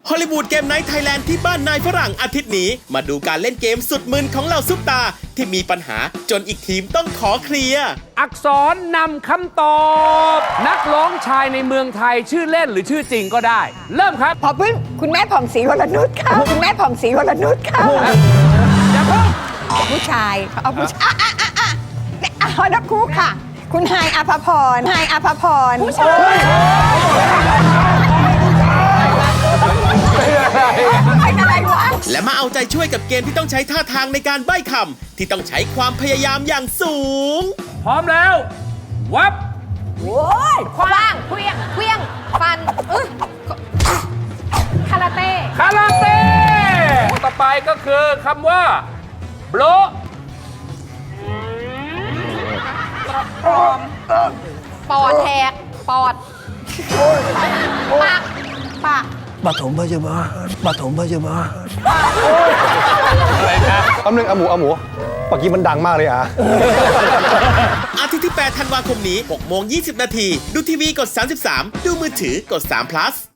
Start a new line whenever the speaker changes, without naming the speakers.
ฮอลลีวูดเกมไนท์ไทยแลนด์ที่บ้านนายฝรั่งอาทิตย์นี้มาดูการเล่นเกมสุดมึนของเหล่าซุปตาที่มีปัญหาจนอีกทีมต้องขอเคลียร์
อักษรนำคำตอบ นักร้องชายในเมืองไทยชื่อเล่นหรือชื่อจริงก็ได้ เริ่มครับ
พอพึ่งคุณแม่ผ่องศรีวรนุชค่ะคุณแม่ผ่องศรีวรนุชค่ะ
อย่าเพิ่ง
ผู้ชายเอาผู้ชายฮอนคูกค่ะ คุณไฮายอภพรไฮายอภพรผู้ชายเป็นอะไรวะ
และมาเอาใจช่วยกับเกมที่ต้องใช้ท่าทางในการใบ้คำที่ต้องใช้ความพยายามอย่างสูง
พร้อมแล้ว วับ
โอ้ยคว้างเคลี้ยงฟันคาราเต้
คาราเต้ต่อไปก็คือคำว่าโบล
ปอดแหกปอดปาก
ปฐมพยาบาลปฐมพยาบาล
แป๊บนึงเอาหมูเมื่อกี้มันดังมากเลยอ่ะ
อาทิตย์ที่ 8 ธันวาคมนี้ 6 โมง 20 นาที ดูทีวีกด 33 ดูมือถือกด3 plus